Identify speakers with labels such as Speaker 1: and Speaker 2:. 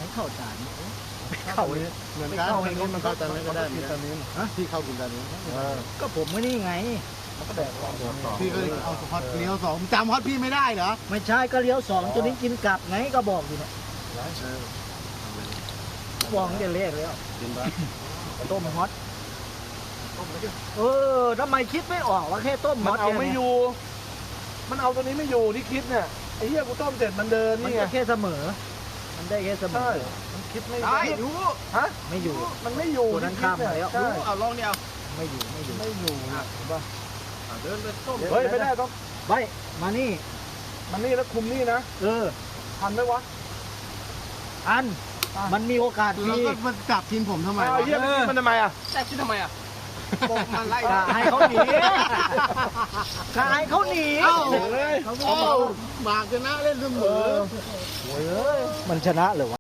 Speaker 1: ไม่เข้าจาน
Speaker 2: เข้าเลยเหมือนกันมันเข้าจานนี้ก็ได้เหมือนกันพี่เข้ากินจานนี้
Speaker 1: ก็ผมไม่นี่ไง
Speaker 2: มันก็แดกพี่ก็เอาฮอตเลี้ยวสองจำฮอตพี่ไม่ได้เหรอ
Speaker 1: ไม่ใช่ก็เลี้ยวสองตัวนี้กินกลับไงก็บอกอยู่เนี่ยบอกตั้งแต่แรกแล้ว
Speaker 2: กินปะ
Speaker 1: ต้มฮอตทำไมคิดไม่ออกว่าแค่ต้มฮ
Speaker 3: มั
Speaker 1: อน ต
Speaker 3: เอาไม่อยู่ มันเอาตัวนี้ไม่อยู่ที่คิดเนี่ยไอ้เหี้ยกูต้มเสร็จมันเดิน
Speaker 1: มัน
Speaker 3: นี่ไง
Speaker 1: ก็แค่เสมอ มันได้แค่เสม
Speaker 3: ใช่
Speaker 1: อ
Speaker 3: มันคิดไม่
Speaker 2: ได้อยู่
Speaker 3: ฮะ
Speaker 1: ไม่อยู่
Speaker 3: มันไม่อยู่
Speaker 1: ตัวนั้นข้ามมาแล้ว
Speaker 3: ใช่
Speaker 2: เอาลองเนี่ย
Speaker 1: ไม่อยู่ไม่อยู่
Speaker 3: ไม่อยู่เห็นปะ
Speaker 2: เดินไปต้ม
Speaker 3: เฮ้ยไม่ได้ต้อง
Speaker 1: ไปมานี่
Speaker 3: มันนี่แล้วคุมนี่นะ ทันไหมวะ
Speaker 1: อันมันมีโอกาส
Speaker 2: แล้ว
Speaker 1: ดี
Speaker 2: ก็มาจับทีมผมทำไม
Speaker 3: อ้าวเหี้ยมันทำไมอ่ะ
Speaker 2: จับทีมทำไมอ่ะบอกมันไล่
Speaker 1: กะให้เขาหนีกะให้เขาหนี
Speaker 2: เอ้าหมากชนะเล่นเสมอ
Speaker 1: มันชนะเหรอวะ